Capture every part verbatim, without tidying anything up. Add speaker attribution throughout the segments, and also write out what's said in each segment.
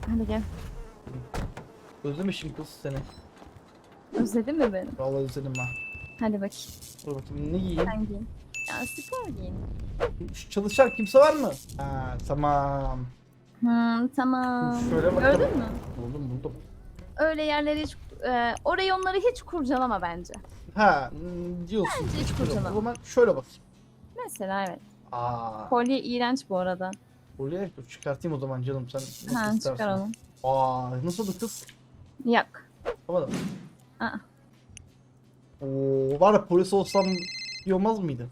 Speaker 1: Hadi gel.
Speaker 2: Özlemişim kız seni.
Speaker 1: Özledin mi beni?
Speaker 2: Vallahi özledim ha.
Speaker 1: Hadi bakayım.
Speaker 2: Dur bakayım ne giyeyim?
Speaker 1: Sen giyin. Ya spor giyin.
Speaker 2: Şu çalışan kimse var mı? Ha tamam.
Speaker 1: Hmm, tamam.
Speaker 2: Şöyle bakalım.
Speaker 1: Gördün mü?
Speaker 2: Buldum buldum.
Speaker 1: Öyle yerleri hiç, e, orayı onları hiç kurcalama bence.
Speaker 2: Ha hmm, diyorsun.
Speaker 1: Bence hiç
Speaker 2: O
Speaker 1: kurcalama.
Speaker 2: zaman şöyle bakayım.
Speaker 1: Mesela evet.
Speaker 2: Aa.
Speaker 1: Kolye iğrenç bu arada.
Speaker 2: Kolye dur çıkartayım o zaman canım sen nasıl
Speaker 1: Ha
Speaker 2: istersen.
Speaker 1: çıkar onu.
Speaker 2: Aa nasıldı kız?
Speaker 1: Yok.
Speaker 2: Tamam.
Speaker 1: Aa.
Speaker 2: Oo var ya polis olsam iyi olmaz mıydı?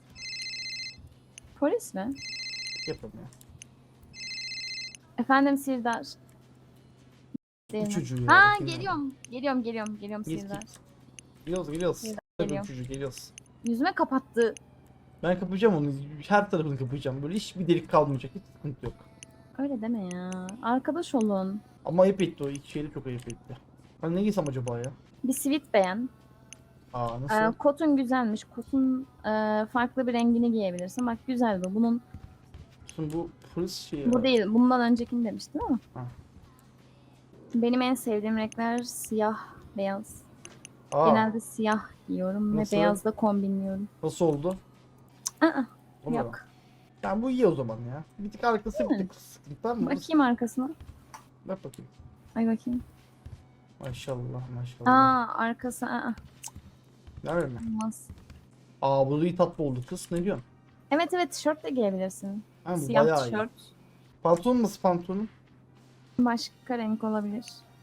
Speaker 1: Polis mi?
Speaker 2: Yapalım ya.
Speaker 1: Efendim Sirdar. Değil
Speaker 2: Bu
Speaker 1: mi?
Speaker 2: çocuğu ya.
Speaker 1: Ha
Speaker 2: bakayım ya.
Speaker 1: geliyorum. Geliyorum geliyorum geliyorum
Speaker 2: Git,
Speaker 1: Sirdar.
Speaker 2: git. Geliyoruz geliyoruz.
Speaker 1: Sirdar
Speaker 2: Tabii
Speaker 1: geliyor.
Speaker 2: çocuğu geliyoruz.
Speaker 1: Yüzüme kapattı.
Speaker 2: Ben kapayacağım onu. Her tarafını kapayacağım. Böyle hiçbir delik kalmayacak. Hiç sıkıntı yok.
Speaker 1: Öyle deme ya. Arkadaş olun.
Speaker 2: Ama ayıp etti o. İki şeyleri çok ayıp etti. Ben ne giysem acaba ya?
Speaker 1: Bir sivit beğen.
Speaker 2: Aa
Speaker 1: Ee,
Speaker 2: nasıl?
Speaker 1: kotun güzelmiş. Kotun e, farklı bir rengini giyebilirsin. Bak güzel bu. Bunun
Speaker 2: Şimdi bu polis şey
Speaker 1: bu
Speaker 2: ya.
Speaker 1: değil. Bundan öncekini demiştim ama.
Speaker 2: Ha.
Speaker 1: Benim en sevdiğim renkler siyah, beyaz.
Speaker 2: Aa
Speaker 1: Genelde siyah giyiyorum
Speaker 2: Nasıl?
Speaker 1: ve beyazla kombinliyorum.
Speaker 2: nasıl oldu?
Speaker 1: Aa,
Speaker 2: Olmadı.
Speaker 1: yok.
Speaker 2: Yani bu iyi o zaman ya. Bir tık arkası bir tık sıkıntı tamam mı?
Speaker 1: Bakayım arkasına.
Speaker 2: Bak bakayım.
Speaker 1: Ay bakayım.
Speaker 2: Maşallah maşallah.
Speaker 1: Aa arkası aa,
Speaker 2: Nerede mi?
Speaker 1: olmaz.
Speaker 2: Aa bu da iyi tatlı oldu kız. Ne diyorsun?
Speaker 1: Evet evet tişört de giyebilirsin.
Speaker 2: Ha, bu
Speaker 1: Siyah
Speaker 2: bayağı iyi.
Speaker 1: tişört.
Speaker 2: Pantolon nasıl pantolonun?
Speaker 1: Başka renk olabilir.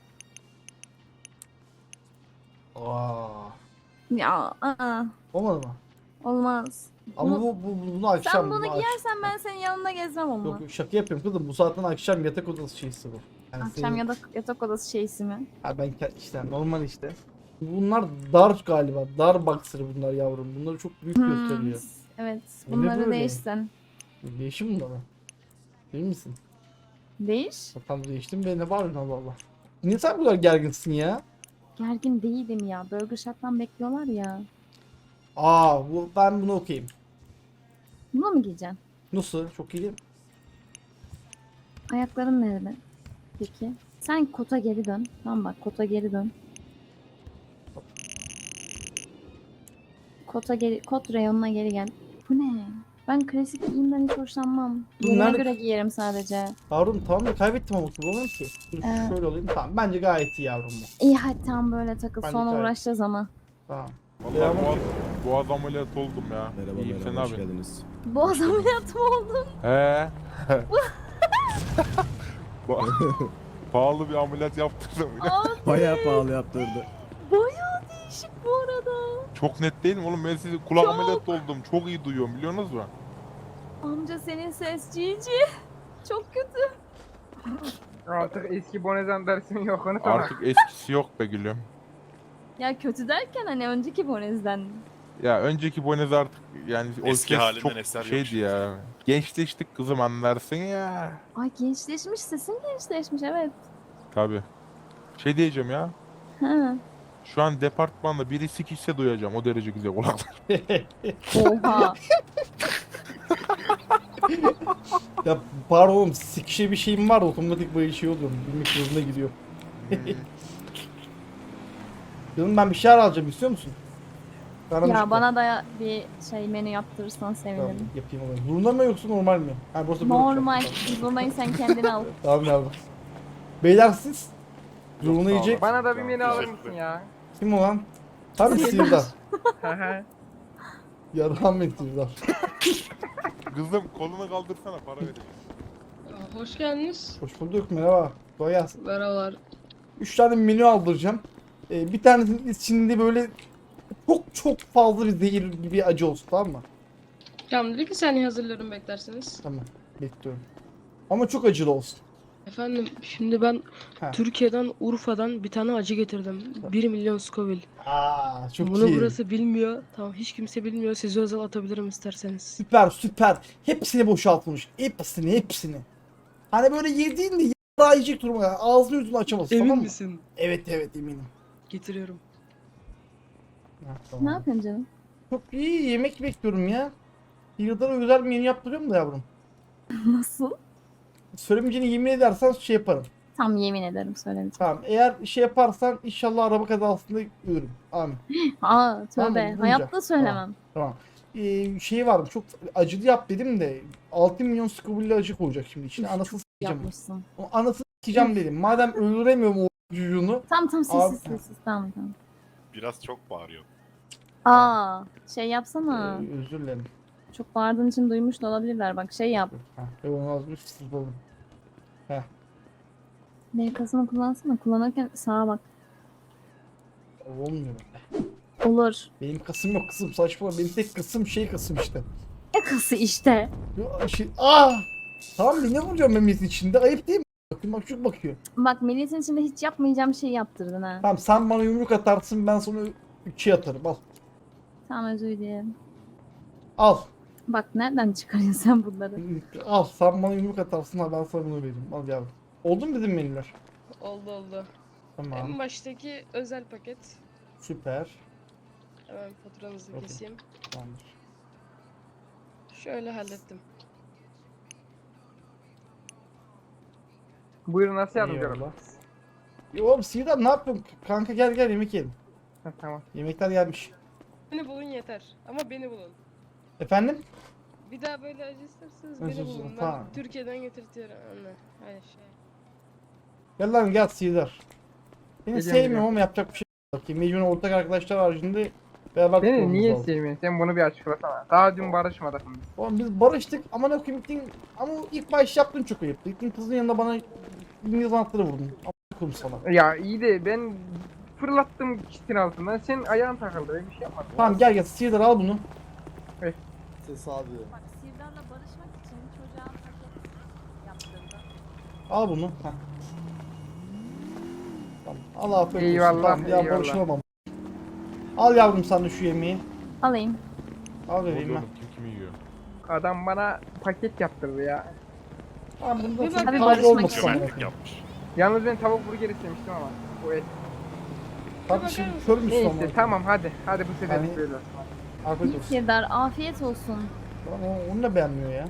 Speaker 2: Aa.
Speaker 1: Ya aa,
Speaker 2: Olmadı mı?
Speaker 1: olmaz.
Speaker 2: Ama
Speaker 1: Bunu-
Speaker 2: bu, bu bunu akşam.
Speaker 1: Sen bunu
Speaker 2: bunu akş-
Speaker 1: giyersen ben senin yanında gezmem onunla.
Speaker 2: Yok yok şaka yapıyorum kızım. Bu saatten akşam yatak odası şeysi bu. Yani
Speaker 1: Akşam
Speaker 2: senin-
Speaker 1: yatak, yatak odası şeysi mi?
Speaker 2: Ha ben ke- işte normal işte. Bunlar dar galiba. Dar boxer bunlar yavrum. Bunları çok büyük
Speaker 1: Hmm,
Speaker 2: gösteriyor.
Speaker 1: evet.
Speaker 2: Bu ne
Speaker 1: Bunları
Speaker 2: böyle?
Speaker 1: değişsin.
Speaker 2: Değişim bunlar mı? Değil misin?
Speaker 1: Değiş.
Speaker 2: Bakalım değiştim ve ne var Allah Allah. Niye sen bu kadar gerginsin ya?
Speaker 1: Gergin değilim ya. Burger Shack'tan bekliyorlar ya.
Speaker 2: Aa bu ben bunu okuyayım.
Speaker 1: Bunu mu giyeceksin?
Speaker 2: Nasıl? Çok iyi değil mi?
Speaker 1: Ayakların nerede? Peki. Sen kota geri dön. Tamam bak kota geri dön. Kota geri, kot reyonuna geri gel. Bu ne? Ben klasik giyimden hiç hoşlanmam.
Speaker 2: Dur,
Speaker 1: Yerime
Speaker 2: nerede-
Speaker 1: göre giyerim sadece.
Speaker 2: Yavrum tamam da kaybettim ama bulamam ki. Dur,
Speaker 1: Ee.
Speaker 2: şöyle olayım. Tamam bence gayet iyi yavrum bu.
Speaker 1: İyi hadi tam böyle takıl.
Speaker 2: Bence
Speaker 1: Sonra
Speaker 2: gayet-
Speaker 1: uğraşacağız ama.
Speaker 2: Tamam.
Speaker 3: Vallahi
Speaker 2: Selamünaleyküm.
Speaker 3: boğaz, boğaz ameliyatı oldum ya.
Speaker 4: Merhaba
Speaker 3: İyiyim, sen
Speaker 4: merhaba hoş
Speaker 3: abi.
Speaker 4: geldiniz.
Speaker 1: Boğaz ameliyatı mı oldun?
Speaker 3: He. Ba- Pahalı bir ameliyat yaptırdım.
Speaker 1: Aa,
Speaker 4: Bayağı pahalı yaptırdı.
Speaker 1: bayağı değişik bu arada.
Speaker 3: Çok net değil mi oğlum? Ben sizi kulak
Speaker 1: Çok.
Speaker 3: ameliyatı oldum. Çok iyi duyuyorum biliyorsunuz mu?
Speaker 1: Amca senin ses cici. Çok kötü.
Speaker 5: Artık eski Bonezen dersin yok onu sana.
Speaker 3: Artık eskisi yok be gülüm.
Speaker 1: Ya kötü derken hani önceki Bonez'den.
Speaker 3: Ya önceki Bonez artık yani o
Speaker 6: Eski
Speaker 3: ses
Speaker 6: halinden
Speaker 3: çok
Speaker 6: eser yok
Speaker 3: şeydi
Speaker 6: şimdi.
Speaker 3: ya. Gençleştik kızım anlarsın ya.
Speaker 1: Ay gençleşmiş sesin gençleşmiş evet.
Speaker 3: Tabi. Şey diyeceğim ya.
Speaker 1: Ha.
Speaker 3: Şu an departmanda biri sikişse duyacağım. O derece güzel kulaklar.
Speaker 1: Oha.
Speaker 2: Ya pardon oğlum sikişe bir şeyim var otomatik böyle şey oluyor. Bilmek zorunda gidiyor. Canım ben bir şeyler alacağım istiyor musun? Bana
Speaker 1: Ya
Speaker 2: müzik
Speaker 1: bana da bir şey menü yaptırırsan
Speaker 2: Tamam,
Speaker 1: sevinirim.
Speaker 2: yapayım onu. Zurna mı yoksa normal mi? Ha burası böyle
Speaker 1: Normal.
Speaker 2: olacak.
Speaker 1: Zurnayı sen kendin al.
Speaker 2: Tamam yavrum. Beyler siz?
Speaker 3: Yok,
Speaker 2: Zurna
Speaker 3: sağ
Speaker 2: yiyecek.
Speaker 3: ol.
Speaker 5: Bana da bir menü alır
Speaker 6: Teşekkür
Speaker 5: mısın ya?
Speaker 2: Kim o lan? Tabii Sirdar. Yarhan ben Sirdar.
Speaker 3: Kızım kolunu kaldırsana para vereyim.
Speaker 7: Aa, Hoş geldiniz.
Speaker 2: Hoş bulduk merhaba. Kolay gelsin.
Speaker 7: Merhabalar.
Speaker 2: Üç tane menü aldıracağım. Ee, bir tanesinin içinde böyle çok çok fazla bir zehir gibi acı olsun tamam mı?
Speaker 7: Tamam, bir saniye hazırlıyorum beklerseniz.
Speaker 2: Tamam bekliyorum. Ama çok acılı olsun.
Speaker 7: Efendim, şimdi ben
Speaker 2: Ha.
Speaker 7: Türkiye'den, Urfa'dan bir tane acı getirdim. bir milyon Scoville.
Speaker 2: Aa çok
Speaker 7: Bunu
Speaker 2: iyi.
Speaker 7: burası bilmiyor. Tamam, hiç kimse bilmiyor. Size özel atabilirim isterseniz.
Speaker 2: Süper süper. Hepsini boşaltmış. Hepsini hepsini. Hani böyle yediğinde yarağı yiyecek duruma ya. Ağzını yüzünü açamazsın
Speaker 7: Emin
Speaker 2: tamam mı?
Speaker 7: misin?
Speaker 2: Evet evet eminim.
Speaker 7: Getiriyorum.
Speaker 2: Ha,
Speaker 1: Ne
Speaker 2: tamam.
Speaker 1: yapıyorsun canım?
Speaker 2: Çok iyi yemek bekliyorum ya. Yıllara özel bir menü yaptırıyorum da yavrum.
Speaker 1: Nasıl?
Speaker 2: Söylemeyeceğini yemin edersen şey yaparım.
Speaker 1: Tam yemin ederim söylemeyeceğim.
Speaker 2: Tamam eğer şey yaparsan inşallah araba kazasında ölürüm. Amin.
Speaker 1: Aa
Speaker 2: Tamam,
Speaker 1: tövbe.
Speaker 2: duyacağım.
Speaker 1: Hayatta söylemem.
Speaker 2: Tamam. Ee, şey var çok acılı yap dedim de altı milyon skubulli acı koyacak şimdi içine. Anasını s**eceğim.
Speaker 1: Yapmışsın.
Speaker 2: O anasını s**eceğim dedim. Madem öldüremiyorum o çocuğunu.
Speaker 1: Tamam tamam
Speaker 2: Abi-
Speaker 1: sessiz sessiz. Tamam tamam.
Speaker 4: Biraz çok bağırıyor.
Speaker 1: Aa şey
Speaker 2: Ee,
Speaker 1: yapsana.
Speaker 2: özür dilerim.
Speaker 1: Çok bağırdığın için duymuş da olabilirler. Bak şey yap.
Speaker 2: Ha, onu azmış siz olun.
Speaker 1: B kasını kullansana. Kullanırken sağa bak.
Speaker 2: Olmuyor.
Speaker 1: Olur.
Speaker 2: Benim kasım yok kızım saçma. Benim tek kasım şey kasım işte.
Speaker 1: Ne kası işte.
Speaker 2: Yo, Şey, aa! Tamam bir ne vuracağım memleketin içinde? Ayıp değil mi? Bakın bak çok bakıyor.
Speaker 1: Bak milletin içinde hiç yapmayacağım şeyi yaptırdın ha.
Speaker 2: Tamam sen bana yumruk atarsın ben sana üçe atarım al.
Speaker 1: Tamam özür dilerim.
Speaker 2: Al.
Speaker 1: Bak nereden çıkarıyorsun sen bunları?
Speaker 2: Al sen bana yumruk atarsın ha ben sana bunu vereyim. Al yavrum. Oldu mu bizim menüler?
Speaker 7: Oldu oldu.
Speaker 2: Tamam.
Speaker 7: En baştaki özel paket.
Speaker 2: Süper.
Speaker 7: Hemen faturanızı
Speaker 2: Okey.
Speaker 7: keseyim.
Speaker 2: Tamamdır.
Speaker 7: Şöyle hallettim.
Speaker 5: Buyurun nasıl yardımcı
Speaker 2: Eyvallah.
Speaker 5: olalım?
Speaker 2: Yo oğlum Sihirdar ne yapıyorsun? Kanka gel gel yemek yiyelim.
Speaker 5: Ha, tamam.
Speaker 2: Yemekler gelmiş.
Speaker 7: Beni bulun yeter. Ama beni bulun.
Speaker 2: Efendim?
Speaker 7: Bir daha böyle acı isterseniz
Speaker 2: Özür
Speaker 7: beni
Speaker 2: dilerim,
Speaker 7: bulun. Ben
Speaker 2: tamam.
Speaker 7: Türkiye'den getirtiyorum anne. Hayır şey.
Speaker 2: Gel lan gel Sihirdar. Seni
Speaker 5: Geliyorum,
Speaker 2: sevmiyorum
Speaker 5: geliyorum.
Speaker 2: ama yapacak bir şey yok. Ki mecburen ortak arkadaşlar haricinde beraber
Speaker 5: Beni
Speaker 2: tutmamız
Speaker 5: niye
Speaker 2: lazım.
Speaker 5: sevmiyorsun? Sen bunu bir açıklasana. Daha dün barışmadık biz.
Speaker 2: Oğlum biz barıştık ama ne koyayım gittin ama ilk baş yaptın çok ayıp. Gittin kızın yanında bana İngiliz anahtarı vurdun. Ama koyayım sana.
Speaker 5: Ya iyi de ben fırlattım kitin altından. Senin ayağın takıldı. Ben bir şey yapmadım.
Speaker 2: Tamam gel gel Sihirdar al bunu.
Speaker 6: Tesadüf.
Speaker 1: Bak Sirdar'la barışmak için çocuğa paket yaptırdı.
Speaker 2: Al bunu. Heh. Tamam. Allah afiyet olsun.
Speaker 5: Eyvallah,
Speaker 2: Tamam, ya
Speaker 5: eyvallah.
Speaker 2: barışamam. Al yavrum sen de şu yemeği.
Speaker 1: Alayım.
Speaker 2: Al
Speaker 3: Ne
Speaker 2: vereyim
Speaker 3: oluyor
Speaker 2: ben.
Speaker 3: oğlum? Kim kimi yiyor?
Speaker 5: Adam bana paket yaptırdı ya.
Speaker 2: Tamam bunu da
Speaker 7: Bir
Speaker 2: çok
Speaker 1: bak-
Speaker 2: fazla
Speaker 1: barışmak
Speaker 2: olmasın.
Speaker 1: için.
Speaker 4: Cömertlik yapmış.
Speaker 5: Yalnız ben tavuk burger istemiştim ama. Bu et.
Speaker 2: Kardeşim kör müsün ama?
Speaker 5: Neyse tamam hadi. Hadi bu sefer
Speaker 2: Hani-
Speaker 5: böyle olsun.
Speaker 2: Afiyet olsun.
Speaker 1: Sirdar afiyet olsun.
Speaker 2: Lan o- onu da beğenmiyor ya.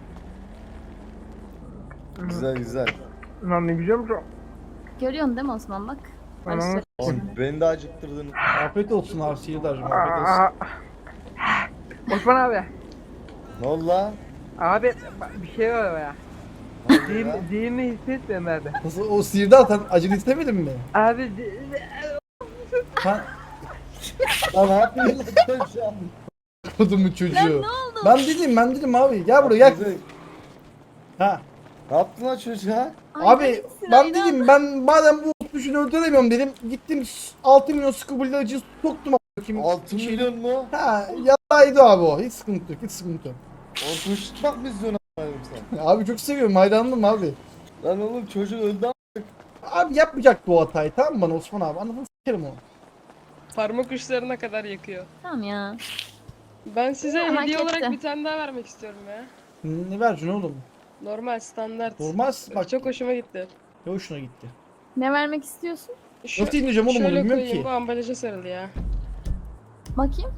Speaker 6: Güzel güzel.
Speaker 5: Lan ne güzelmiş o.
Speaker 1: Görüyorsun değil mi Osman bak?
Speaker 5: Anam.
Speaker 1: Barışacak
Speaker 6: Oğlum
Speaker 1: şimdi.
Speaker 6: beni de acıktırdın.
Speaker 2: Afiyet olsun abi Sihirdar'cığım afiyet olsun.
Speaker 5: Aa, Osman abi.
Speaker 6: Ne oldu lan?
Speaker 5: Abi bak, bir şey var ya.
Speaker 6: Ne oldu
Speaker 5: Değil,
Speaker 6: lan?
Speaker 5: değil mi hissetmiyorum abi.
Speaker 2: Nasıl o Sihirdar sen acılı istemedin mi?
Speaker 5: Abi de-
Speaker 2: Sen
Speaker 6: Lan ne yapıyorsun lan şu an?
Speaker 2: kodum bu çocuğu.
Speaker 1: Lan ne oldu?
Speaker 2: Ben dedim ben dedim abi gel buraya gel.
Speaker 6: Güzel.
Speaker 2: Ha.
Speaker 6: Ne yaptın lan çocuğa?
Speaker 1: Ay,
Speaker 2: Abi
Speaker 1: hadi
Speaker 2: ben
Speaker 1: sırayla.
Speaker 2: dedim ben madem bu otmuşunu öldüremiyorum dedim. Gittim altı milyon skubulli acı soktum a**ayım.
Speaker 6: altı
Speaker 2: Şey-
Speaker 6: milyon mu?
Speaker 2: Ha yaraydı abi o. Hiç sıkıntı yok hiç sıkıntı yok.
Speaker 6: Ortamış tutmak mı istiyorsun a**ayım sen?
Speaker 2: Ya abi çok seviyorum hayranım abi.
Speaker 6: Lan oğlum çocuk öldü a**.
Speaker 2: Abi yapmayacaktı o hatayı tamam mı bana Osman abi anladın sikerim onu.
Speaker 7: Parmak uçlarına kadar yakıyor.
Speaker 1: Tamam ya.
Speaker 7: Ben size
Speaker 1: Hak
Speaker 7: hediye
Speaker 1: etti.
Speaker 7: olarak bir tane daha vermek istiyorum ya.
Speaker 2: Ne vereceksin oğlum?
Speaker 7: Normal standart.
Speaker 2: Normal bak
Speaker 7: Çok hoşuma gitti.
Speaker 2: ne hoşuna gitti.
Speaker 1: Ne vermek istiyorsun?
Speaker 7: Şu,
Speaker 2: Nasıl indireceğim oğlum onu
Speaker 7: şöyle
Speaker 2: bilmiyorum
Speaker 7: koyayım,
Speaker 2: ki.
Speaker 7: bu ambalaja sarılı ya.
Speaker 1: Bakayım.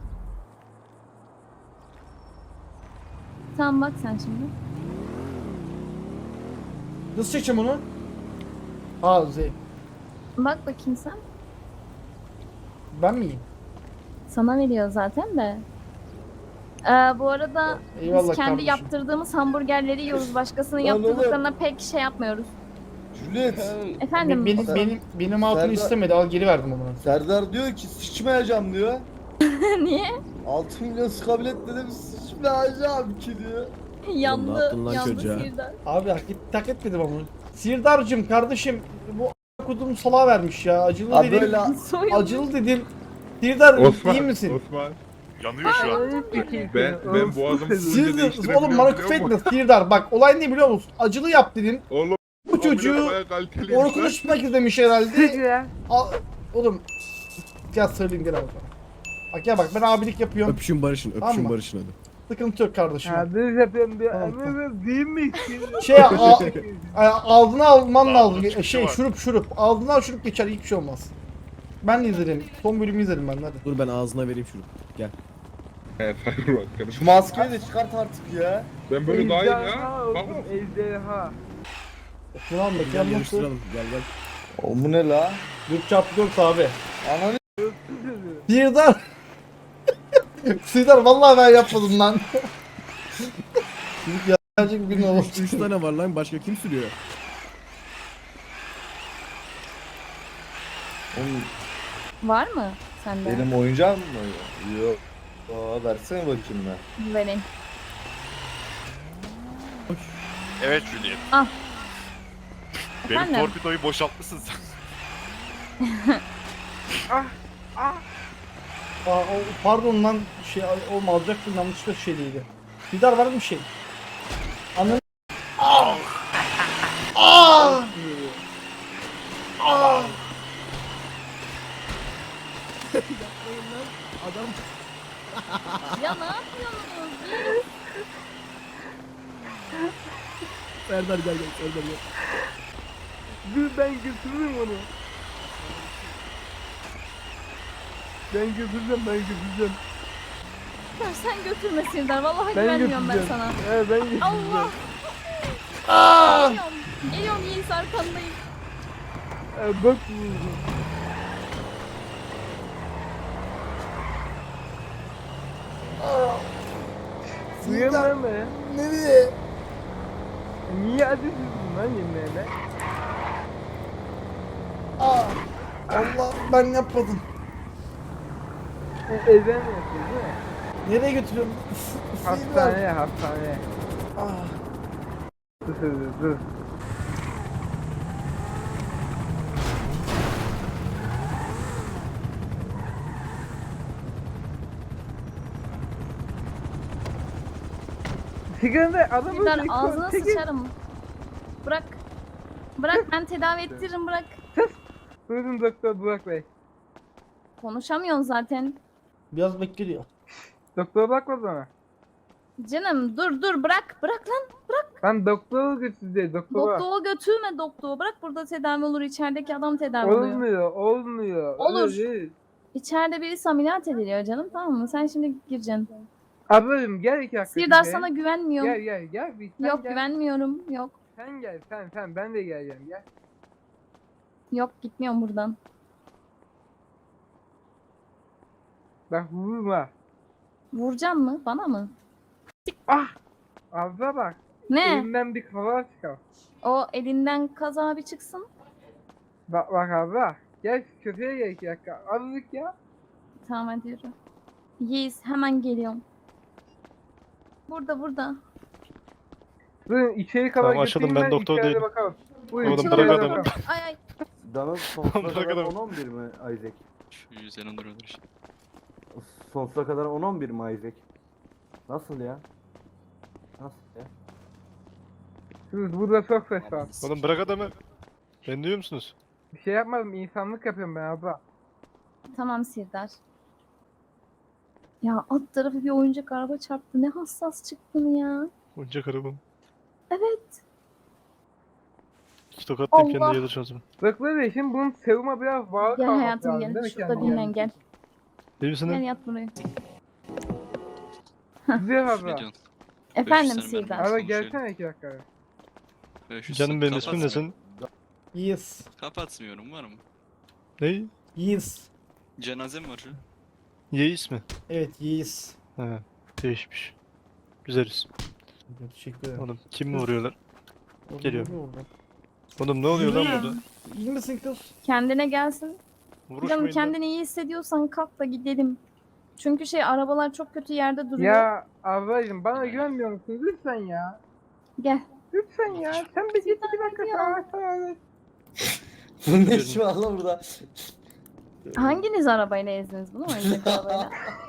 Speaker 1: Tamam bak sen şimdi.
Speaker 2: Nasıl çekeceğim onu? Aa Z.
Speaker 1: Bak bakayım sen.
Speaker 2: Ben miyim?
Speaker 1: Sana veriyor zaten de. Ee, bu arada
Speaker 2: Eyvallah
Speaker 1: biz kendi
Speaker 2: kardeşim.
Speaker 1: yaptırdığımız hamburgerleri yiyoruz. Başkasının
Speaker 6: Lan oğlum.
Speaker 1: yaptırdıklarına pek şey yapmıyoruz.
Speaker 6: Juliet.
Speaker 1: Efendim?
Speaker 2: Benim,
Speaker 6: Sen-
Speaker 2: benim, benim hatunu
Speaker 6: Serdar-
Speaker 2: istemedi al geri verdim ona.
Speaker 6: Serdar diyor ki sıçmayacağım diyor.
Speaker 1: Niye?
Speaker 6: altı milyon skabilet dedim sıçmayacağım ki diyor.
Speaker 1: yandı.
Speaker 8: yaptın lan
Speaker 1: yandı
Speaker 8: çocuğa?
Speaker 1: Sirdar.
Speaker 2: Abi hak, et, hak etmedim ama. Sirdar'cım kardeşim bu a** kodum salağa vermiş ya acılı
Speaker 6: Abi
Speaker 2: dedim.
Speaker 6: böyle
Speaker 1: Soyuldu.
Speaker 2: Acılı dedim. Sirdar
Speaker 3: Osman,
Speaker 2: iyi misin?
Speaker 3: Osman.
Speaker 4: Yanıyor şu an.
Speaker 3: Ben ben boğazımı hızlıca
Speaker 2: Sirdar
Speaker 3: değiştirebiliyorum
Speaker 2: oğlum bana
Speaker 3: biliyor
Speaker 2: küfür
Speaker 3: musun?
Speaker 2: etme Sirdar bak olay ne biliyor musun? Acılı yap dedim.
Speaker 3: Oğlum
Speaker 2: Bu çocuğu
Speaker 3: bayağı kaliteliymiş lan.
Speaker 2: Orkun Işıtmak istemiş herhalde.
Speaker 5: ya.
Speaker 2: Al, oğlum gel söyleyeyim gel abi. Bak ya bak ben abilik yapıyorum.
Speaker 8: Öpüşün barışın, öpüşün
Speaker 2: Tamam mı?
Speaker 8: barışın hadi.
Speaker 2: Sıkıntı yok kardeşim.
Speaker 5: Ha düz yapıyorum diyor.
Speaker 2: Tamam, tamam.
Speaker 5: Anladın değil mi?
Speaker 2: Şey a, a- aldığını alman
Speaker 4: Daha
Speaker 2: lazım.
Speaker 4: bunun çıkışı
Speaker 2: Şey
Speaker 4: var.
Speaker 2: şurup şurup. Aldığını al şurup geçer hiçbir şey olmaz. Ben de izledim. Son bölümü izledim ben de, hadi.
Speaker 8: Dur ben ağzına vereyim şunu. Gel.
Speaker 3: Evet hayır bak kardeşim.
Speaker 6: Şu maskeyi de çıkart artık ya.
Speaker 3: Ben böyle daha iyiyim ya.
Speaker 5: Ejderha
Speaker 3: Bak
Speaker 5: oldum, ejderha.
Speaker 2: Şunu al
Speaker 6: Gel
Speaker 2: mekan nasıl?
Speaker 6: yarıştıralım. Gel gel.
Speaker 2: O bu ne la? dört çarpı dört abi. Ananı Sirdar. Sirdar vallahi ben yapmadım lan. Çocuk gerçek bir oldu.
Speaker 6: Üç tane var lan. Başka kim sürüyor?
Speaker 2: Oğlum,
Speaker 1: Var mı sende?
Speaker 2: benim oyuncağım mı? Yok. Aa, versene bakayım ben.
Speaker 1: Vereyim.
Speaker 4: Evet Juliet.
Speaker 1: Ah.
Speaker 4: Benim
Speaker 1: Efendim?
Speaker 4: torpidoyu boşaltmışsın sen.
Speaker 5: Ah ah.
Speaker 2: Aa, o, pardon lan şey oğlum alacaktım yanlışlıkla şey değildi. Sirdar var mı bir şey? Anladın? Aa! Aa! Aa!
Speaker 6: Adam
Speaker 1: Ya ne yapıyorsunuz?
Speaker 6: Serdar gel gel. Serdar gel.
Speaker 5: Dur ben götürürüm onu. Ben götüreceğim ben götüreceğim.
Speaker 1: Ya sen götürme Sirdar. Vallahi
Speaker 5: Ben
Speaker 1: güvenmiyorum ben
Speaker 5: götüreceğim.
Speaker 1: sana.
Speaker 5: He ben götüreceğim.
Speaker 1: Allah.
Speaker 2: Aa!
Speaker 1: Geliyorum. Geliyorum Yiğit arkandayım.
Speaker 5: He bak vurdum.
Speaker 2: Sirdar
Speaker 5: Duyamam be.
Speaker 2: nereye?
Speaker 5: Niye adı sürdün lan yemeğine?
Speaker 2: Aa! Allah ben yapmadım.
Speaker 5: Ezen yapıyor değil mi?
Speaker 2: Nereye götürüyorum? Sirdar.
Speaker 5: Hastaneye hastaneye.
Speaker 2: Aa!
Speaker 5: Dur dur dur, dur. Sigarada adam
Speaker 1: Sirdar
Speaker 5: öldü.
Speaker 1: ağzına
Speaker 5: Çekil.
Speaker 1: sıçarım. Bırak. Bırak ben tedavi ettiririm bırak.
Speaker 5: Buyurun doktor Burak Bey.
Speaker 1: Konuşamıyorsun zaten.
Speaker 2: Biraz bekliyor.
Speaker 5: Doktora bakma bana.
Speaker 1: Canım dur dur bırak. Bırak lan.
Speaker 5: Ben doktora götüreceğim doktora.
Speaker 1: Doktora götürme doktora. Bırak burada tedavi olur. İçerideki adam tedavi oluyor.
Speaker 5: Olmuyor olmuyor.
Speaker 1: Olur.
Speaker 5: Öyle değil.
Speaker 1: İçeride birisi ameliyat ediliyor canım tamam mı? Sen şimdi gireceksin.
Speaker 5: Ablacım gel iki dakika.
Speaker 1: Sirdar
Speaker 5: bize.
Speaker 1: sana güvenmiyorum.
Speaker 5: Gel gel gel. Bir, sen
Speaker 1: Yok
Speaker 5: gel.
Speaker 1: güvenmiyorum. Yok.
Speaker 5: Sen gel sen sen ben de geleceğim gel.
Speaker 1: Yok gitmiyorum buradan.
Speaker 5: Bak vurma.
Speaker 1: Vuracaksın mı? Bana mı?
Speaker 5: Ah! Abla bak.
Speaker 1: Ne?
Speaker 5: Elimden bir kaza çıkar.
Speaker 1: O elinden kaza bir çıksın.
Speaker 5: Bak bak abla. Gel şu köpeğe gel iki dakika. Azıcık ya.
Speaker 1: Tamam hadi yürü. Yiğit hemen geliyorum. Burada burada.
Speaker 5: Durun içeri kadar
Speaker 3: Tamam, açıldım,
Speaker 5: götüreyim
Speaker 3: ben doktor
Speaker 5: içeride
Speaker 3: değilim.
Speaker 5: bakalım. Buyurun
Speaker 3: Oğlum,
Speaker 5: içeride
Speaker 3: bırak
Speaker 1: Açılın.
Speaker 3: adamı.
Speaker 5: bakalım.
Speaker 1: Ay ay.
Speaker 8: Dana sonsuza
Speaker 3: Bırak
Speaker 8: kadar
Speaker 3: adamı.
Speaker 8: on on bir mi Isaac?
Speaker 9: Şu yüzden olur olur.
Speaker 8: Sonsuza kadar on on bir mi Isaac? Nasıl ya? Nasıl ya?
Speaker 5: Siz burada çok ses var.
Speaker 3: Oğlum bırak adamı. Ben duyuyor musunuz?
Speaker 5: Bir şey yapmadım insanlık yapıyorum ben abla.
Speaker 1: Tamam Sirdar. Ya alt tarafı bir oyuncak araba çarptı. Ne hassas çıktın ya.
Speaker 3: Oyuncak arabam.
Speaker 1: Evet.
Speaker 3: İki tokatlayıp
Speaker 1: Allah.
Speaker 3: kendi gelirsin o zaman.
Speaker 5: Bak böyle şimdi bunun seruma biraz bağlı
Speaker 1: Gel
Speaker 5: kalması
Speaker 1: hayatım
Speaker 5: lazım
Speaker 1: gel.
Speaker 5: değil mi
Speaker 1: Şurada
Speaker 5: kendine?
Speaker 1: dinlen gel.
Speaker 3: Değil misin
Speaker 1: Gel
Speaker 3: lan?
Speaker 1: yat buraya.
Speaker 5: Güzel abla.
Speaker 9: Milyon.
Speaker 1: Efendim
Speaker 9: sene ben-
Speaker 1: Sirdar.
Speaker 5: Abla
Speaker 9: Konuşuyorum.
Speaker 5: gelsene iki dakika.
Speaker 9: beş yüz
Speaker 3: Canım benim
Speaker 9: kapatmıyorum.
Speaker 3: ismim ne senin?
Speaker 2: Yes.
Speaker 9: Kapatmıyorum var mı?
Speaker 3: Ney?
Speaker 2: Yes.
Speaker 9: Cenazem var şu.
Speaker 3: Yeis mi?
Speaker 2: Evet yes.
Speaker 3: He. Değişmiş. Güzel isim.
Speaker 2: Teşekkür ederim.
Speaker 3: Oğlum kim mi vuruyorlar?
Speaker 2: Orada,
Speaker 3: geliyorum.
Speaker 2: orada, orada.
Speaker 3: Oğlum ne oluyor lan
Speaker 1: Yürü.
Speaker 3: burada?
Speaker 2: İyi misin kız?
Speaker 1: Kendine gelsin. Canım
Speaker 3: Vuruşmayın lan.
Speaker 1: kendini iyi hissediyorsan kalk da gidelim. Çünkü şey arabalar çok kötü yerde duruyor.
Speaker 5: Ya ablacım bana güvenmiyor musun? Lütfen ya.
Speaker 1: Gel.
Speaker 5: Lütfen ya. Sen bir git bir dakika
Speaker 1: Ya.
Speaker 5: sana sana.
Speaker 6: Bunun ne işi var lan burada?
Speaker 1: Hanginiz arabayla ezdiniz bunu? Oyuncak arabayla.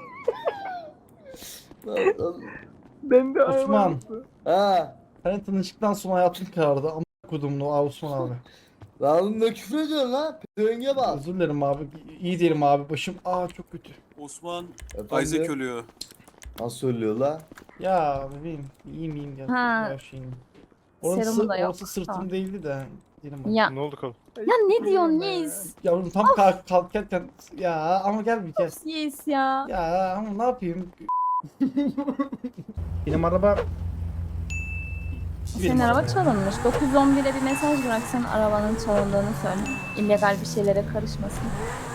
Speaker 5: Ben de
Speaker 2: Osman.
Speaker 5: arabası.
Speaker 6: Ha.
Speaker 2: Hani tanıştıktan sonra hayatım karardı. Ama kudumlu Aa, Osman abi.
Speaker 6: Lan oğlum ne küfür ediyorsun lan? Pezevenge bak.
Speaker 2: Özür dilerim abi. İyi diyelim abi. Başım aa çok kötü.
Speaker 10: Osman
Speaker 6: Efendim?
Speaker 10: Isaac ölüyor.
Speaker 6: Nasıl ölüyor la?
Speaker 2: Ya bebeğim iyiyim iyiyim gel.
Speaker 1: Ha.
Speaker 2: Her şeyim. Orası,
Speaker 1: Serumu da yok.
Speaker 2: orası sırtım
Speaker 1: Tamam.
Speaker 2: değildi de. Diyelim abi.
Speaker 1: Ya
Speaker 3: Ne oldu kal?
Speaker 1: ya ne diyorsun Yiğit?
Speaker 2: Yavrum tam kalk kalkarken ya ama gel bir kez.
Speaker 1: Yiğit ya.
Speaker 2: Ya ama ne yapayım? Benim araba
Speaker 1: Senin araba çalınmış. dokuz yüz on bire bir mesaj bıraksan arabanın çalındığını söyle. İllegal bir şeylere karışmasın.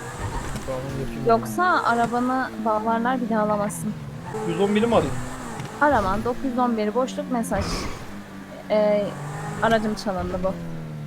Speaker 1: Yoksa arabanı bağlarlar bir daha alamazsın.
Speaker 2: yüz on biri mi arayayım?
Speaker 1: Araman dokuz yüz on bir boşluk mesaj. Ee, aracım çalındı bu.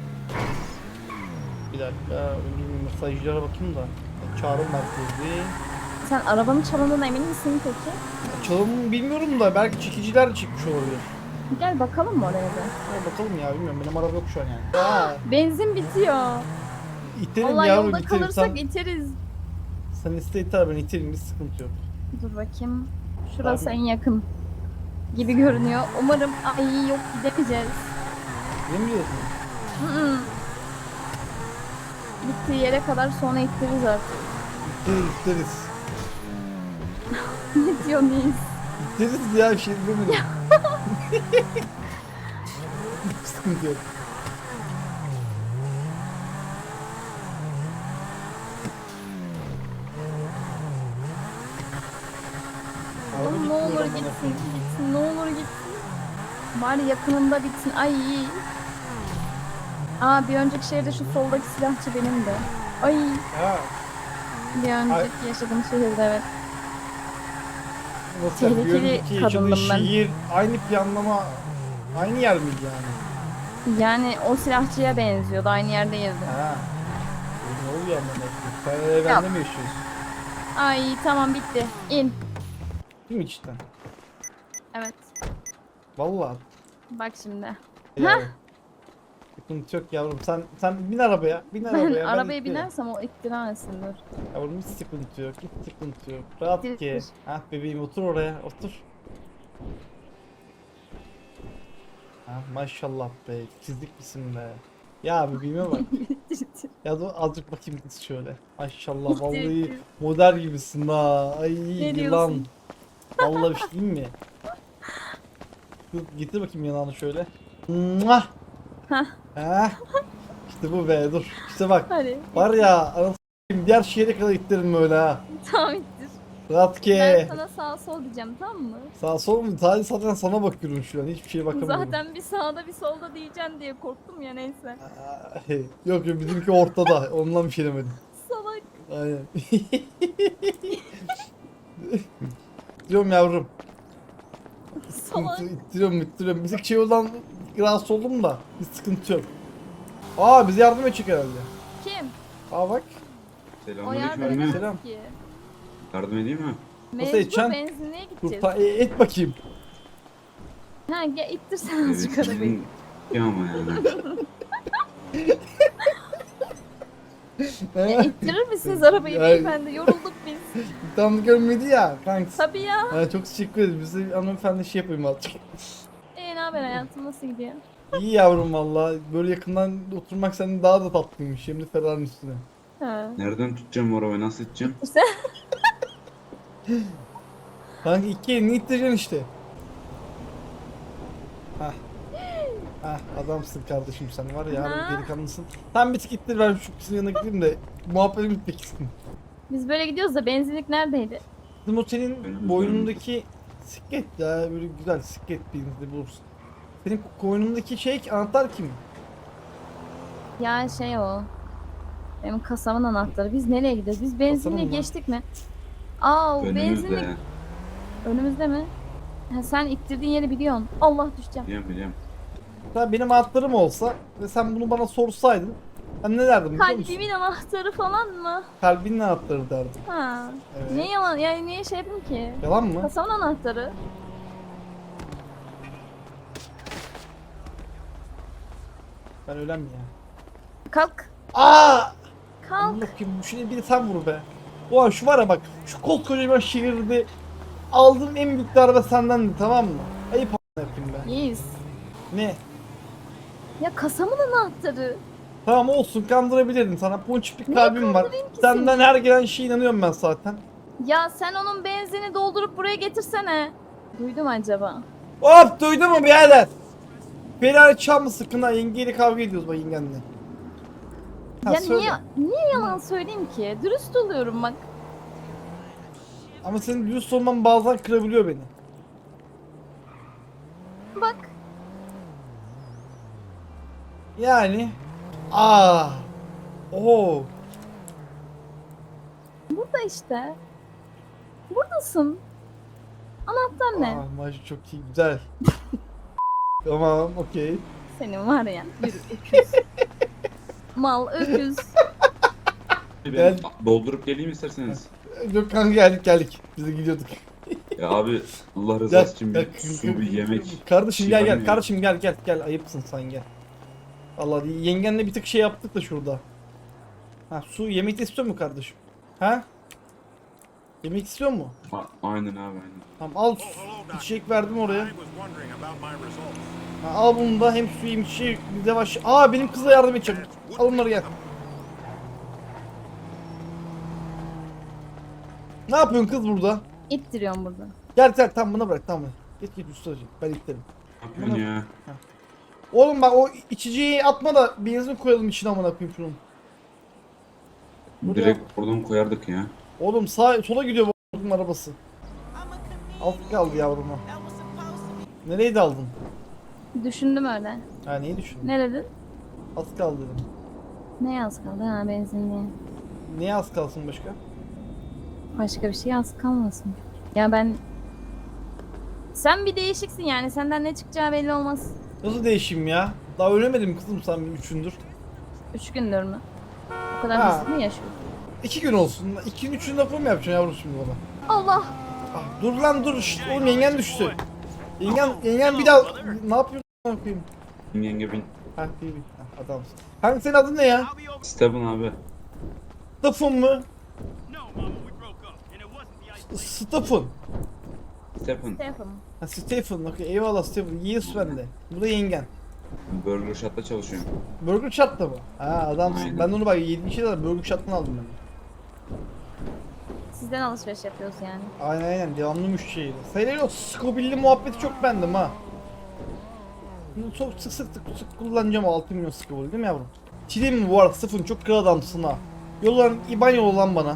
Speaker 2: Bir dakika. Önce bir mesajlara bakayım da. Çağrı merkezi.
Speaker 1: Sen arabanın çalındığına emin misin peki?
Speaker 2: Çalım bilmiyorum da belki çekiciler çıkmış olabilir.
Speaker 1: Gel bakalım mı oraya da?
Speaker 2: Ya bakalım ya bilmiyorum benim araba yok şu an yani. Aa,
Speaker 1: Benzin bitiyor.
Speaker 2: iterim
Speaker 1: Allah
Speaker 2: yavrum
Speaker 1: yolda
Speaker 2: iterim.
Speaker 1: kalırsak
Speaker 2: Sen,
Speaker 1: iteriz.
Speaker 2: sen iste iter ben iterim, bir sıkıntı yok.
Speaker 1: Dur bakayım. Şurası
Speaker 2: Abi.
Speaker 1: en yakın gibi görünüyor. Umarım ay yok gidemeyeceğiz.
Speaker 2: Ne mi diyorsun?
Speaker 1: Hı hı. Gittiği yere kadar sonra ittiririz artık.
Speaker 2: İteriz iteriz.
Speaker 1: Ne diyor neyiz?
Speaker 2: İteriz ya bir şey demedim. Hiç sıkıntı yok. Araba
Speaker 1: Oğlum ne
Speaker 2: gitmiyor
Speaker 1: olur
Speaker 2: amına
Speaker 1: gitsin,
Speaker 2: koyayım.
Speaker 1: gitsin, ne olur gitsin. Bari yakınında bitsin. Ay iyi. Aa bir önceki şehirde şu soldaki silahçı benim de. Ay
Speaker 2: Ha,
Speaker 1: bir önceki yaşadığım şehirde evet.
Speaker 2: nasıl yani? Bir
Speaker 1: Tehlikeli
Speaker 2: önceki yaşadığın
Speaker 1: kadındım ben.
Speaker 2: şehir aynı planlama aynı yer miydi yani?
Speaker 1: Yani o silahçıya benziyordu. Aynı yerdeyiz.
Speaker 2: Ha. Ne oluyor amına koyayım? Sen evende mi yaşıyorsun?
Speaker 1: Ay tamam bitti. İn.
Speaker 2: Değil mi cidden?
Speaker 1: Evet.
Speaker 2: Vallahi.
Speaker 1: Bak şimdi.
Speaker 2: Yavrum. Sıkıntı yok yavrum. Sen sen bin arabaya. Bin
Speaker 1: Ben
Speaker 2: arabaya.
Speaker 1: arabaya
Speaker 2: ittirelim.
Speaker 1: binersem o ittiremezsin dur.
Speaker 2: Yavrum hiç sıkıntı yok. Hiç sıkıntı yok. Rahat
Speaker 1: İttir,
Speaker 2: ki.
Speaker 1: ittir.
Speaker 2: Ah bebeğim otur oraya. Otur. Ha, maşallah be. Çizdik misin be? Ya bebeğime bak. Ya da azıcık bakayım kız şöyle. Maşallah
Speaker 1: İttir,
Speaker 2: vallahi
Speaker 1: ittir.
Speaker 2: model gibisin ha. Ay yılan.
Speaker 1: diyorsun?
Speaker 2: Vallahi bir şey diyeyim mi? Kız, getir bakayım yanağını şöyle. Muah!
Speaker 1: Hah.
Speaker 2: Ha? İşte bu be dur. İşte bak.
Speaker 1: Hadi.
Speaker 2: Var ya anasını s**eyim, diğer şehre kadar ittirin böyle ha.
Speaker 1: Tamam ittir.
Speaker 2: Rahat
Speaker 1: Ben
Speaker 2: ki.
Speaker 1: sana sağ sol diyeceğim tamam mı?
Speaker 2: Sağ sol mu? Sadece zaten sana bakıyorum şu an. Hiçbir şeye bakamıyorum.
Speaker 1: Zaten bir sağda bir solda diyeceksin diye korktum ya neyse.
Speaker 2: Aa, yok yok bizimki ortada. Ondan bir şey demedim.
Speaker 1: Salak.
Speaker 2: Aynen. Diyorum yavrum.
Speaker 1: Salak.
Speaker 2: Sıkıntı, ittiriyorum ittiriyorum. Bizdeki şey olan rahatsız oldum da. Bir sıkıntı yok. Aa bize yardım edecek herhalde.
Speaker 1: Kim?
Speaker 2: Aa bak.
Speaker 1: O yardım
Speaker 2: Aleyküm
Speaker 1: edemez
Speaker 2: selam.
Speaker 1: ki.
Speaker 10: Yardım edeyim mi?
Speaker 2: Nasıl
Speaker 1: Mecbur
Speaker 2: edeceksin?
Speaker 1: benzinliğe
Speaker 2: Dur
Speaker 1: gideceğiz.
Speaker 2: ta, e, et bakayım.
Speaker 1: Ha gel ittir sen azıcık arabayı.
Speaker 10: Ya ama yani.
Speaker 1: Ya ittirir misiniz arabayı
Speaker 2: Ay.
Speaker 1: beyefendi? Yorulduk biz.
Speaker 2: Tam görmedi ya kanks.
Speaker 1: Tabii ya.
Speaker 2: Ha, çok teşekkür ederiz. Bize hanımefendi şey yapayım azıcık.
Speaker 1: Ee ne haber hayatım nasıl gidiyor?
Speaker 2: İyi yavrum valla. Böyle yakından oturmak senin daha da tatlıymış. Hem de Ferrari'nin üstüne.
Speaker 1: Ha.
Speaker 10: Nereden tutacağım bu arabayı? Nasıl iteceğim?
Speaker 1: İşte
Speaker 2: Kanka iki elini ittireceksin işte. Hah. Hah adamsın kardeşim sen var ya
Speaker 1: Ha.
Speaker 2: harbi delikanlısın. Sen bir tık ittir ben şu kızın yanına gideyim de muhabbeti bitmek istedim.
Speaker 1: biz böyle gidiyoruz da benzinlik neredeydi?
Speaker 2: Bizim o senin
Speaker 10: Benim
Speaker 2: boynundaki siklet ya böyle güzel siklet birini bulursun. Senin koynundaki şey anahtar kim?
Speaker 1: Ya şey o. Benim kasamın anahtarı. Biz nereye gidiyoruz? Biz benzinliğe
Speaker 2: mı?
Speaker 1: geçtik mi? Aa o benzinlik
Speaker 10: Önümüzde.
Speaker 1: önümüzde mi? Ha, sen ittirdiğin yeri biliyorsun. Allah düşeceğim.
Speaker 10: Biliyorum biliyorum.
Speaker 2: Sen benim anahtarım olsa ve sen bunu bana sorsaydın ben ne derdim biliyor musun?
Speaker 1: Kalbimin anahtarı falan mı?
Speaker 2: Kalbinin anahtarı derdim.
Speaker 1: Ha.
Speaker 2: Evet.
Speaker 1: Niye yalan? Yani niye şey yapayım ki?
Speaker 2: Yalan mı?
Speaker 1: Kasamın anahtarı.
Speaker 2: Ben ölen mi ya?
Speaker 1: Kalk.
Speaker 2: Aa!
Speaker 1: Kalk.
Speaker 2: Bakayım şunu bir de sen vur be. Ulan şu var ya bak şu koskocaman şehirde aldığım en büyük darbe sendendi tamam mı? Ayıp a**ına yapayım be.
Speaker 1: Yiğiz.
Speaker 2: Ne?
Speaker 1: Ya kasamın anahtarı.
Speaker 2: Tamam olsun kandırabilirdim sana ponçik bir
Speaker 1: Niye
Speaker 2: kalbim var.
Speaker 1: kandırayım ki
Speaker 2: Senden
Speaker 1: seni?
Speaker 2: her gelen şeye inanıyorum ben zaten.
Speaker 1: Ya sen onun benzini doldurup buraya getirsene. Duydum acaba?
Speaker 2: Hop duydun mu birader? Ferrari çam mı sıkın ha yengeyle kavga ediyoruz bak yengenle. Ha,
Speaker 1: ya
Speaker 2: söyle.
Speaker 1: niye niye yalan söyleyeyim ki? Dürüst oluyorum bak.
Speaker 2: Ama senin dürüst olman bazen kırabiliyor beni.
Speaker 1: Bak.
Speaker 2: Yani. Aa. Oo.
Speaker 1: Burada işte. Buradasın. Anahtar ne?
Speaker 2: Aa, maç çok iyi, güzel. Tamam, okey.
Speaker 1: Senin var ya. Yürü öküz. Mal öküz.
Speaker 10: Ben
Speaker 2: Gel.
Speaker 10: doldurup geleyim isterseniz.
Speaker 2: Yok kanka, geldik geldik. Biz de gidiyorduk.
Speaker 10: Ya abi Allah
Speaker 2: Gel,
Speaker 10: rızası için
Speaker 2: gel.
Speaker 10: bir su bir yemek.
Speaker 2: Kardeşim
Speaker 10: şey
Speaker 2: gel
Speaker 10: var
Speaker 2: gel.
Speaker 10: mı ya?
Speaker 2: Kardeşim gel gel gel. Ayıpsın sen, gel. Allah yengenle bir tık şey yaptık da şurada. Ha, su yemek de istiyor mu kardeşim? Ha? Yemek istiyor mu?
Speaker 10: A- aynen abi aynen.
Speaker 2: Tamam, al su- içecek verdim oraya. Ha, al bunu da, hem su hem içecek bir de baş. Aa, benim kıza yardım edeceğim. Al bunları, gel. Ne yapıyorsun kız burada?
Speaker 1: İttiriyorum burada.
Speaker 2: Gel gel, tam buna bırak, tamam. Git git ustacığım, ben itlerim.
Speaker 10: Ne yapıyorsun ya?
Speaker 2: Oğlum bak, o içeceği atma da benzin koyalım içine, amına koyayım şunun. Buraya-
Speaker 10: Direkt oradan koyardık ya.
Speaker 2: Oğlum sağ sola gidiyor bu arabası. Alt kaldı yavruma. Nereydi aldın?
Speaker 1: Düşündüm öyle.
Speaker 2: Ha, neyi düşündün?
Speaker 1: Ne dedin?
Speaker 2: Az kaldı dedim.
Speaker 1: Ne yaz kaldı ha, benzinliğe.
Speaker 2: Niye az kalsın başka?
Speaker 1: Başka bir şey az kalmasın. Ya ben... Sen bir değişiksin yani. Senden ne çıkacağı belli olmaz.
Speaker 2: Nasıl değişeyim ya? Daha ölemedim kızım, sen bir üçündür.
Speaker 1: Üç gündür mü? O kadar
Speaker 2: Ha.
Speaker 1: basit mi yaşıyorsun?
Speaker 2: İki gün olsun. İki gün üçün lafı mı yapacaksın yavrum şimdi bana?
Speaker 1: Allah!
Speaker 2: Ah, dur lan dur. Şşt, oğlum yengen düştü. Yengen, yengen bir daha... Ne yapıyorsun? Ne yapayım?
Speaker 10: Yenge bin.
Speaker 2: Ha, iyi bir. Ha, adamsın. Hangi, senin adın ne ya?
Speaker 10: Steven abi.
Speaker 2: Stefan mı? Stefan.
Speaker 10: Stephen.
Speaker 1: Stefan.
Speaker 2: Ha, Stefan. Okey, eyvallah Stefan. Yes bende. Bu da yengen.
Speaker 10: Burger Shot'ta çalışıyorum.
Speaker 2: Burger Shot'ta mı? Ha, adamsın.
Speaker 10: Aynen.
Speaker 2: Ben de onu bak yediğim şeyler var. Burger Shot'tan aldım ben.
Speaker 1: Sizden alışveriş yapıyoruz yani.
Speaker 2: Aynen aynen. Devamlı müşteriydi. Sayıları o Scobille'li muhabbeti çok bendim ha. Bunu çok sık sık sık, sık kullanacağım o altı milyon Scobille, değil mi yavrum? Çileyim mi bu arada Stefan? Çok kral adamsın ha. Yollan, İban yolla lan bana.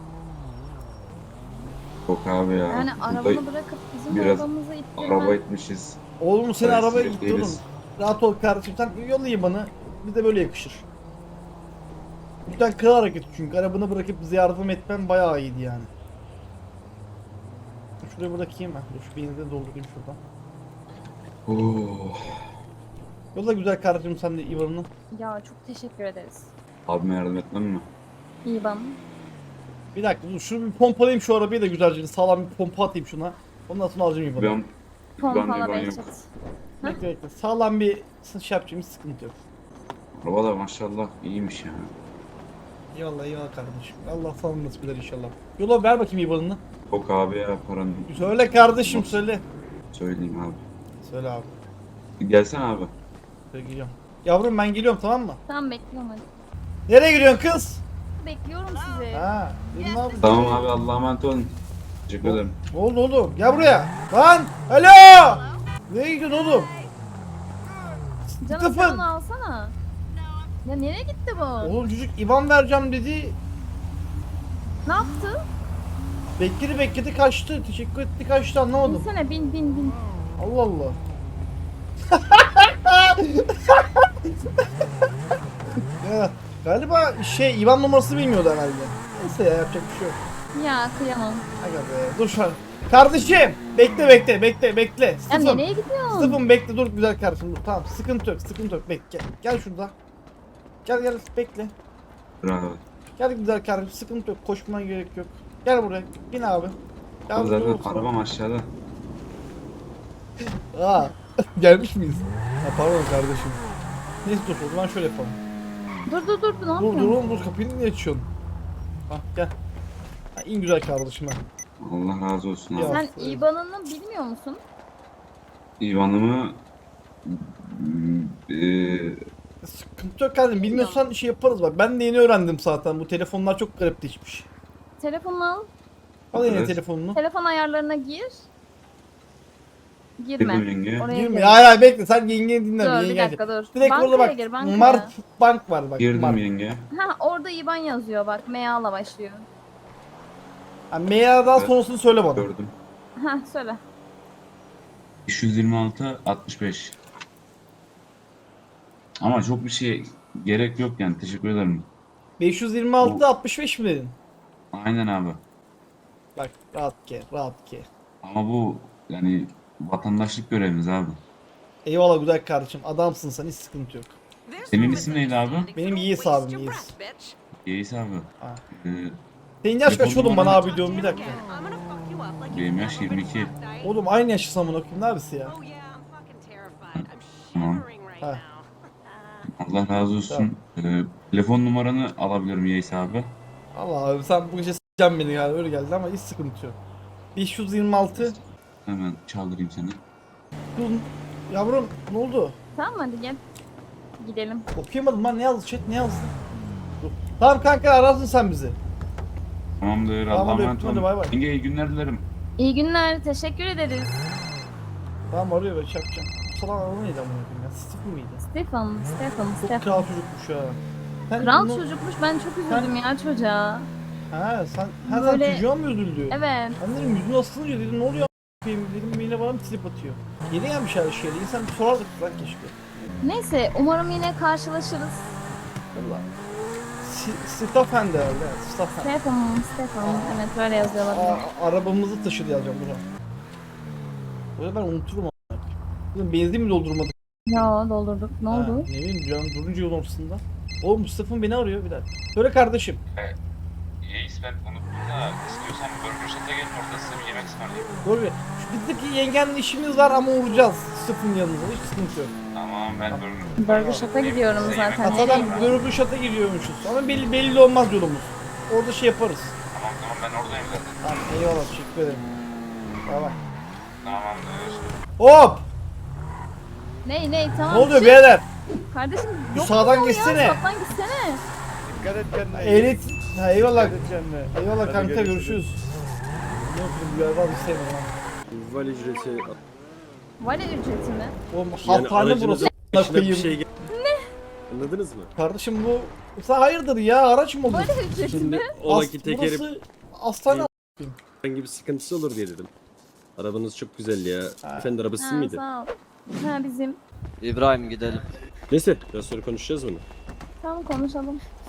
Speaker 10: Yok abi ya.
Speaker 1: Yani
Speaker 10: Burada
Speaker 1: arabanı bırakıp bizim
Speaker 10: biraz
Speaker 1: arabamızı ittirmen...
Speaker 10: araba etmişiz.
Speaker 2: Oğlum seni
Speaker 10: Evet,
Speaker 2: arabaya
Speaker 10: sürekli
Speaker 2: gitti oğlum.
Speaker 10: değiliz.
Speaker 2: Rahat ol kardeşim, sen yolla bana. Bir de böyle yakışır. Lütfen kral hareket, çünkü arabanı bırakıp bize yardım etmen bayağı iyiydi yani. Şuraya bırakayım ben. Dur, şu benzini doldurayım şuradan.
Speaker 10: Oh.
Speaker 2: Yolla güzel kardeşim sen de İvan'ını.
Speaker 1: Ya çok teşekkür ederiz.
Speaker 10: Abime yardım etmem mi?
Speaker 1: İyi bana.
Speaker 2: Bir dakika dur, şunu bir pompalayayım şu arabayı da güzelce, sağlam bir pompa atayım şuna. Ondan sonra alacağım İvan'ı.
Speaker 10: Ben
Speaker 1: Pompala
Speaker 10: ben yok.
Speaker 1: Behçet.
Speaker 2: Bekle bekle, sağlam bir şey yapacağım, hiç sıkıntı yok.
Speaker 10: Araba da maşallah iyiymiş ya.
Speaker 2: Eyvallah eyvallah kardeşim. Allah sana nasip eder inşallah. Yola ver bakayım İvan'ını.
Speaker 10: Yok abi ya paranın.
Speaker 2: Söyle kardeşim, söyle.
Speaker 10: Söyleyeyim abi.
Speaker 2: Söyle abi.
Speaker 10: Gelsene abi.
Speaker 2: Söyleyeceğim. Yavrum ben geliyorum, tamam mı?
Speaker 1: Tamam bekliyorum hadi.
Speaker 2: Nereye gidiyorsun kız?
Speaker 1: Bekliyorum sizi.
Speaker 2: Ha, dedim ne yapayım?
Speaker 10: Tamam abi Allah'a emanet olun. Teşekkür ederim.
Speaker 2: Ne oldu oğlum? Gel buraya. Lan! Alo! Nereye gidiyorsun oğlum?
Speaker 1: Canım sen
Speaker 2: Stefan!
Speaker 1: onu alsana. Ya nereye gitti bu?
Speaker 2: Oğlum çocuk İvan vereceğim dedi.
Speaker 1: Ne yaptı?
Speaker 2: Bekledi bekledi kaçtı. Teşekkür etti kaçtı, anlamadım.
Speaker 1: Binsene bin bin bin.
Speaker 2: Allah Allah. Ya, galiba şey İvan numarasını bilmiyordu herhalde. Neyse ya, yapacak bir şey yok.
Speaker 1: Ya kıyamam.
Speaker 2: Aga be, dur şu an. Kardeşim bekle bekle bekle bekle.
Speaker 1: Ya
Speaker 2: Stefan.
Speaker 1: nereye gidiyorsun?
Speaker 2: Stefan bekle, dur güzel kardeşim, dur tamam, sıkıntı yok sıkıntı yok, bekle gel, gel şurada. Gel gel bekle.
Speaker 10: Bravo.
Speaker 2: Gel güzel kardeşim, sıkıntı yok, koşmana gerek yok. Gel buraya, bin abi. Gel
Speaker 10: Abi
Speaker 2: buraya,
Speaker 10: zaten
Speaker 2: otur.
Speaker 10: arabam aşağıda.
Speaker 2: Aa, gelmiş miyiz? Ha, pardon kardeşim. Neyse dur, o zaman şöyle yapalım.
Speaker 1: Dur dur dur ne
Speaker 2: Dur
Speaker 1: yapıyorsun?
Speaker 2: dur oğlum dur, kapıyı niye açıyorsun? Ha gel. Ha, in güzel kardeşim ha.
Speaker 10: Allah razı olsun abi.
Speaker 2: Ya.
Speaker 1: Sen İBAN'ını bilmiyor musun?
Speaker 10: İvan'ımı eee
Speaker 2: Sıkıntı yok kardeşim, bilmiyorsan şey yaparız bak. Ben de yeni öğrendim zaten, bu telefonlar çok garipleşmiş.
Speaker 1: Telefonunu al.
Speaker 2: Al yine
Speaker 10: Evet.
Speaker 2: telefonunu.
Speaker 1: Telefon ayarlarına gir.
Speaker 10: Girdim
Speaker 1: Girme.
Speaker 10: yenge.
Speaker 1: Oraya
Speaker 2: Girme.
Speaker 1: gir.
Speaker 2: Hayır hayır bekle, sen yengeni dinle.
Speaker 1: Dur bir
Speaker 2: yenge
Speaker 1: dakika dur.
Speaker 2: Direkt
Speaker 1: Bankaya
Speaker 2: orada bak.
Speaker 1: gir bankaya.
Speaker 2: Mart Bank var bak.
Speaker 10: Girdim
Speaker 2: Mart.
Speaker 10: yenge.
Speaker 1: Ha orada İBAN yazıyor bak. M A'la başlıyor.
Speaker 2: Ha, M A'dan
Speaker 10: Evet.
Speaker 2: sonrasını söyle bana.
Speaker 10: Gördüm.
Speaker 1: Ha söyle.
Speaker 10: beş yüz yirmi altı altmış beş. Ama çok bir şey gerek yok yani. Teşekkür ederim.
Speaker 2: beş yüz yirmi altı
Speaker 10: Bu-
Speaker 2: altmış beş mi dedin?
Speaker 10: Aynen abi.
Speaker 2: Bak rahat ke, rahat ke.
Speaker 10: Ama bu yani vatandaşlık görevimiz abi.
Speaker 2: Eyvallah güzel kardeşim. Adamsın sen, hiç sıkıntı yok.
Speaker 10: Senin isim neydi abi?
Speaker 2: Benim Yiğis abim, Yiğis.
Speaker 10: Yeis abi.
Speaker 2: Ha.
Speaker 10: Ee,
Speaker 2: Senin yaş kaç
Speaker 10: Telefon
Speaker 2: oğlum, bana
Speaker 10: numaranı-
Speaker 2: abi diyorum, bir dakika.
Speaker 10: benim yaş yirmi iki.
Speaker 2: Oğlum aynı yaşlı samın okuyayım, ne abisi ya?
Speaker 10: Tamam.
Speaker 2: Ha.
Speaker 10: Allah razı olsun. Ee, telefon numaranı alabilirim Yeis abi.
Speaker 2: Allah abi sen bu gece s**eceksin beni yani, öyle geldi ama hiç sıkıntı yok. beş yüz yirmi altı.
Speaker 10: Hemen çaldırayım seni.
Speaker 2: Dur yavrum, ne oldu?
Speaker 1: Tamam hadi gel. Gidelim.
Speaker 2: Okuyamadım lan, ne yazdı chat, ne yazdı? Dur. Tamam kanka, ararsın sen bizi.
Speaker 10: Tamamdır.
Speaker 2: Tamam,
Speaker 10: Allah'a
Speaker 2: hadi
Speaker 10: emanet
Speaker 2: öptüm, hadi bay bay.
Speaker 10: olun. Yenge iyi günler dilerim.
Speaker 1: İyi günler. Teşekkür ederiz.
Speaker 2: Tamam arıyor, ben şey yapacağım. Salak araba neydi amına koyayım ya? Steve miydi?
Speaker 1: Stefan, Stefan,
Speaker 2: Çok
Speaker 1: Stefan.
Speaker 2: kral çocukmuş ya. Sen
Speaker 1: Kral
Speaker 2: bunu-
Speaker 1: çocukmuş. Ben çok üzüldüm ya çocuğa.
Speaker 2: Ha sen, ha sen
Speaker 1: Böyle-
Speaker 2: çocuğa mı üzüldü?
Speaker 1: Evet.
Speaker 2: Ben dedim yüzünü asılınca dedim ne oluyor a**ayım, dedim yine bana bir trip atıyor. Yeni gelmiş her şeyle, insan bir sorardık lan keşke.
Speaker 1: Neyse umarım yine karşılaşırız.
Speaker 2: Valla. Stefan herhalde, evet, Stefan.
Speaker 1: Stefan, Stefan. Evet böyle yazıyorlar.
Speaker 2: Aa, arabamızı taşıdı yazacağım buna. Böyle ben unuturum a**. Dedim benzin mi doldurmadık?
Speaker 1: Ya doldurduk. Ne
Speaker 2: Ha,
Speaker 1: oldu?
Speaker 2: ne bileyim canım, durunca yol ortasında. Oğlum Stefan beni arıyor bir dakika. Söyle kardeşim.
Speaker 10: Yeis ben unuttum da istiyorsan Burger Shot'a gelin orada size bir yemek ısmarlayayım.
Speaker 2: Doğru. Şu bizdeki yengenle işimiz var ama uğrayacağız Stefan'ın yanınıza, hiç sıkıntı yok.
Speaker 10: Tamam ben Burger
Speaker 1: Burger Shop'a gidiyorum zaten.
Speaker 2: Hatta
Speaker 1: Nereye?
Speaker 2: ben Görüblü Şat'a gidiyormuşuz. Ama belli, belli olmaz yolumuz. Orada şey yaparız.
Speaker 10: Tamam tamam ben oradayım zaten.
Speaker 2: Tamam eyvallah, teşekkür ederim. Bay bay.
Speaker 10: Tamamdır.
Speaker 2: Hop!
Speaker 1: Ney ney tamam.
Speaker 2: Ne oluyor
Speaker 1: şey-
Speaker 2: beyler?
Speaker 1: Kardeşim
Speaker 2: Bir
Speaker 1: yok
Speaker 2: sağdan
Speaker 1: mu ya?
Speaker 2: geçsene.
Speaker 1: Sağdan gitsene.
Speaker 6: Dikkat et kendine.
Speaker 2: Ehliyet... Ha eyvallah.
Speaker 6: kendine.
Speaker 2: Eyvallah
Speaker 6: Hadi
Speaker 2: kanka,
Speaker 6: görüşürüz.
Speaker 2: görüşürüz. Ne yapayım, bu galiba istemiyorum ha.
Speaker 6: Val ücreti.
Speaker 1: Vale ücreti mi?
Speaker 2: Oğlum
Speaker 6: Yani
Speaker 2: hastane burası.
Speaker 6: aracınızın
Speaker 2: a**ına
Speaker 6: başına bir
Speaker 2: koyayım.
Speaker 6: şey gel- Anladınız mı?
Speaker 2: Kardeşim bu... Sen hayırdır ya, araç mı olur?
Speaker 1: Vale ücreti
Speaker 6: Şimdi
Speaker 1: mi?
Speaker 6: o
Speaker 2: As-
Speaker 6: vakit tekeri
Speaker 2: Burası hastane.
Speaker 6: herhangi bir sıkıntısı olur diye dedim. Arabanız çok güzel ya.
Speaker 2: Ha.
Speaker 6: Efendi arabası
Speaker 1: Ha,
Speaker 6: mıydı?
Speaker 1: sağ ol. Ha bizim.
Speaker 11: İbrahim gidelim.
Speaker 6: Neyse biraz sonra konuşacağız bunu.
Speaker 1: Tamam konuşalım.